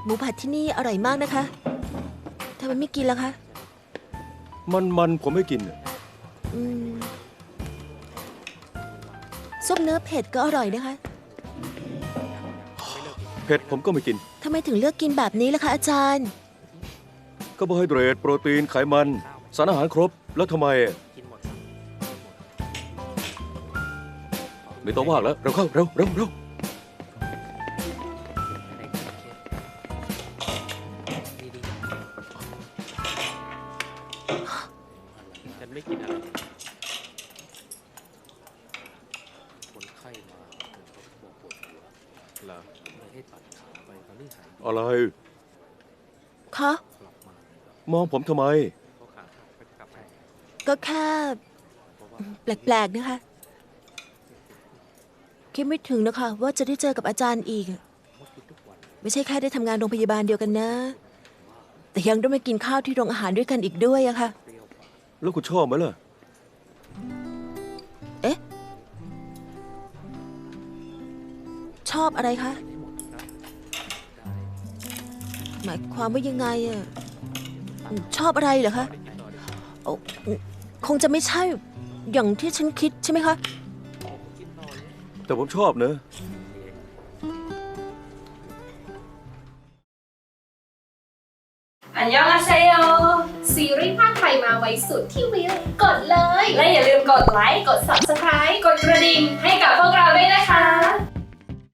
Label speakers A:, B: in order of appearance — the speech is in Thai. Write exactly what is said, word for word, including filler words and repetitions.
A: มูผัดที่นี่อร่อยมากนะคะทำไมไม่กินล่ะคะ
B: มันมันผมไม่กิน
A: อืมซุปเนื้อเผ็ดก็อร่อยนะคะ
B: เผ็ดผมก็ไม่กิน
A: ทำไมถึงเลือกกินแบบนี้ล่ะคะอาจารย์
B: คาร์โบไฮเดรตโปรตีนไขมันสารอาหารครบแล้วทำไมไม่ต้องว่างแล้วเร็วเข้าเร็วเร็วเร็ว
C: ฉันไม่กินอะไรคนไข้มาเขาบอกปวดหัวเหรอเลยให้ตัดขาไปตอนนี้หาย
B: อะไร
A: คะ
B: มองผมทำไม
A: ก็แค่แปลกๆนะคะคิดไม่ถึงนะคะว่าจะได้เจอกับอาจารย์อีกไม่ใช่แค่ได้ทำงานโรงพยาบาลเดียวกันนะแต่ยังได้มากินข้าวที่โรงอาหารด้วยกันอีกด้วยอะค่ะ
B: แล้วคุณชอบไหมล่ะ
A: เอ๊ะชอบอะไรคะหมายความว่ายังไงอะชอบอะไรเหรอคะคงจะไม่ใช่อย่างที่ฉันคิดใช่ไหมคะ
B: แต่ผมชอบเนอะ
D: อันยองอาเซโยซีรีส์ภาคไทยมาไว้สุดที่วิวกดเลย และอย่าลืมกดไลค์ กด ซับสไครบ์ กดกระดิ่งให้กับพวกเราด้วยนะคะ